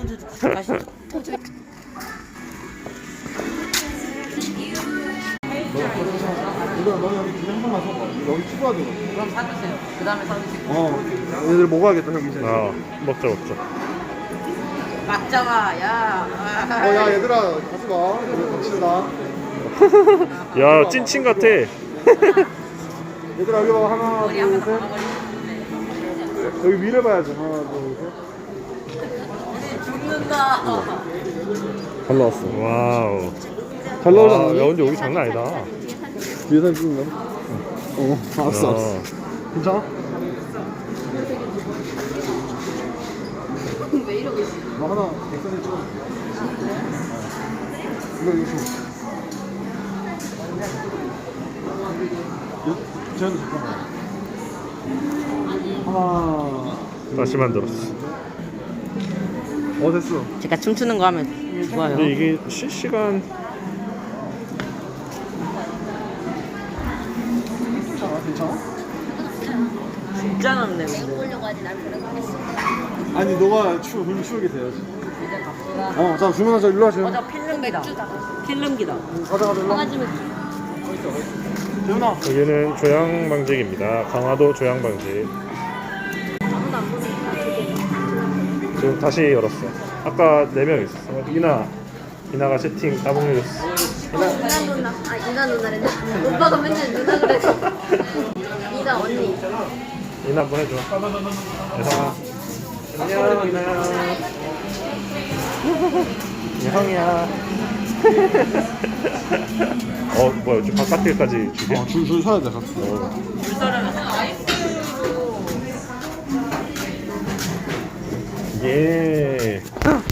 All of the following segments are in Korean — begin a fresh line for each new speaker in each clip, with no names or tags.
있는데도 다시.
이거 너 여기 두개 한 번만 사봐. 여기 추가하더라고.
그럼 사주세요. 그 다음에 사주세요.
얘들 먹어야겠다 형 이제.
먹자 먹자.
맞잖아, 야.
야 얘들아 가지 마. 우리 같이 나.
야 찐친 같아.
얘들아 여기 봐. 하나
머리 한번
둘 셋.
감아버리는데.
여기 위를 봐야지. 하나 둘 셋.
죽는다.
잘 나왔어.
와우.
잘 나오지 않나?
야 근데 여기 장난 아니다.
뒤에 사진 찍는 거? 알았어
야.
알았어. 괜찮아?
왜 이러고 있어?
너 하나 백사진 찍어. 이거 재현도 잠깐만. 하나.
다시 만들었어.
됐어.
제가 춤추는 거 하면 좋아요.
근데 이게 실시간
괜찮아?
진짜 넓네.
보려고 하지 난 그런 거 했어.
아니 너가 그럼 추우게 돼야지. 자 주문하자. 일로 와 재현.
저 필름기다. 필름기다.
가자 일로 와.
강아지 맥주.
재현아.
여기는 조양방직입니다. 강화도 조양방직.
아무도 안 보니까 되게.
지금 다시 열었어. 아까 4명 있었어. 이나가 채팅 따봉 해줬어.
이나 누나. 이나 누나랬네. 오빠가 맨날 누나 그래서. 이나 언니.
이나 한번 해줘. 예성아. 안녕 이나야. 예성이야. 뭐야 저 바깥길까지 주게?
줄 서야 돼.
예.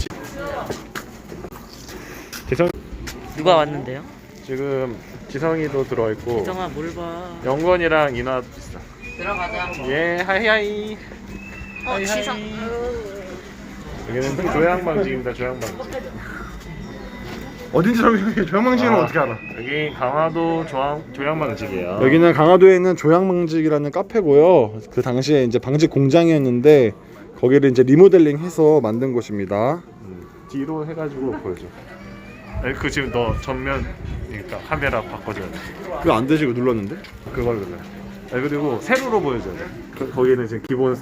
지성
누가 왔는데요?
지금 지성이도 들어와 있고
정아 뭘 봐.
영건이랑 이나도 있어.
들어가자.
예 하이하이.
지성.
여기는 조양방직입니다. 조양방직.
어딘지 여기 조양방직은 어떻게 알아?
여기 강화도 조양방직이에요.
여기는 강화도에 있는 조양방직이라는 카페고요. 그 당시에 이제 방직 공장이었는데 거기를 이제 리모델링해서 만든 곳입니다.
뒤로 해가지고 보여줘. 그 지금 너 전면 그러니까 카메라 바꿔줘야 돼.
그거 안 되시고 눌렀는데?
그걸 눌러요. 그리고 세로로 보여줘야 돼. 거기는 지금 기본